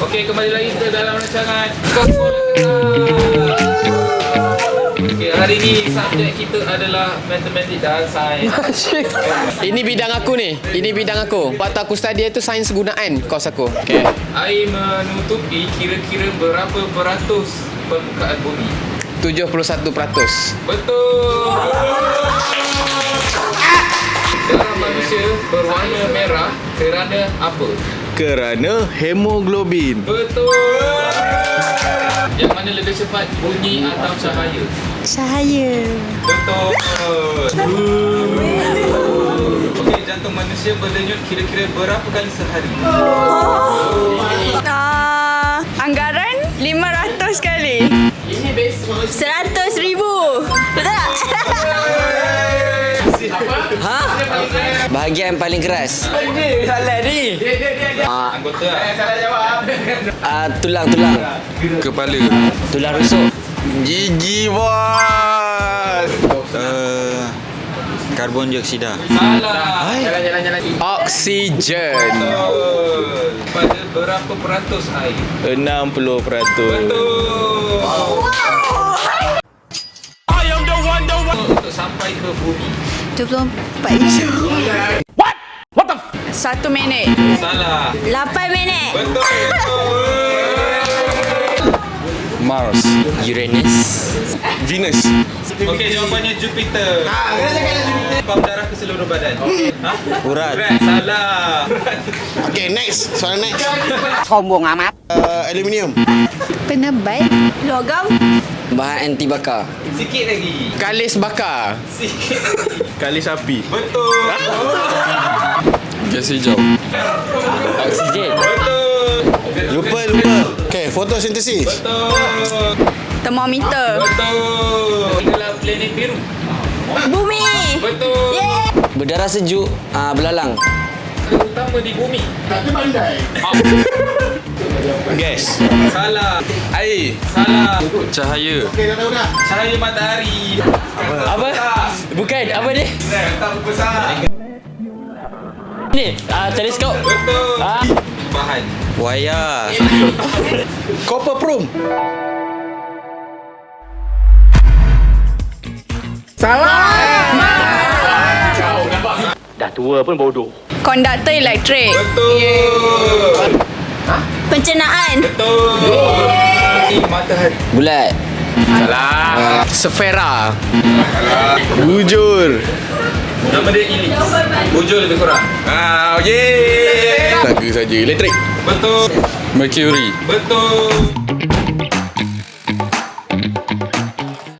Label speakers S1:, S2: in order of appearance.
S1: Okey, kembali lagi ke dalam rancangan Sekolah Keras. Okey, hari ni subjek kita adalah matematik dan sains.
S2: Ini bidang aku ni. Ini bidang aku. Waktu aku study itu sains gunaan kos aku. Okey.
S1: Air menutupi kira-kira berapa peratus permukaan bumi?
S2: 71%.
S1: Betul. Darah manusia berwarna merah kerana apa?
S3: Kerana hemoglobin.
S1: Betul. Yang mana lebih cepat, bunyi atau cahaya?
S4: Cahaya.
S1: Betul. Okey, jantung manusia berdenyut kira-kira berapa kali sehari?
S4: Anggaran 500 kali.
S2: Ini base
S4: 100,000. Betul tak?
S5: Ha? Bahagian paling keras.
S2: Ini salah ni.
S1: Anggota lah.
S5: Tulang.
S3: Kepala.
S5: Tulang rusuk.
S3: Gigi bos. Karbon dioksida.
S1: Salah.
S2: Jalan. Oksigen.
S1: Betul. Pada berapa peratus air?
S3: 60%.
S1: Betul. Untuk sampai ke bumi.
S4: 24 jam.
S2: What the
S4: 1 minit.
S1: Salah.
S4: 8 minit.
S1: Betul.
S3: Mars.
S5: Uranus.
S3: Venus.
S1: Okey, jawapannya Jupiter. Pam darah ke seluruh badan. Ha?
S5: Urat.
S1: Urat. Salah.
S6: Okay, next. Soalan next.
S5: Sombong amat.
S6: Aluminium.
S4: Penebai. Logam.
S5: Bahan anti bakar.
S1: Sikit lagi.
S2: Kalis bakar.
S1: Sikit lagi.
S3: Kali sapi.
S1: Betul.
S3: Gas hijau.
S5: Oksigen.
S1: Betul.
S6: Lupa. Okay, fotosintesis.
S1: Betul.
S4: Termometer.
S1: Betul. Adalah planet biru.
S4: Bumi.
S1: Betul.
S5: Berdarah sejuk. Belalang.
S1: Terutama di bumi.
S3: Gas.
S1: Salah.
S3: Air.
S1: Salah.
S3: Cahaya.
S1: Cahaya matahari.
S5: Apa? Bukan. Apa ni?
S1: Tak besar.
S5: Ni. Teleskop.
S1: Betul. Bahan.
S3: Wayar.
S6: Copper prum.
S4: Konduktor elektrik.
S1: Betul.
S4: Pencernaan.
S1: Betul. Matahari.
S5: Bulat.
S2: Salah. Sfera.
S3: Bujur.
S1: Nama dia Ilis. Bujur lebih kurang.
S3: Yeay. Tenaga saja. Elektrik.
S1: Betul.
S3: Mercury.
S1: Betul.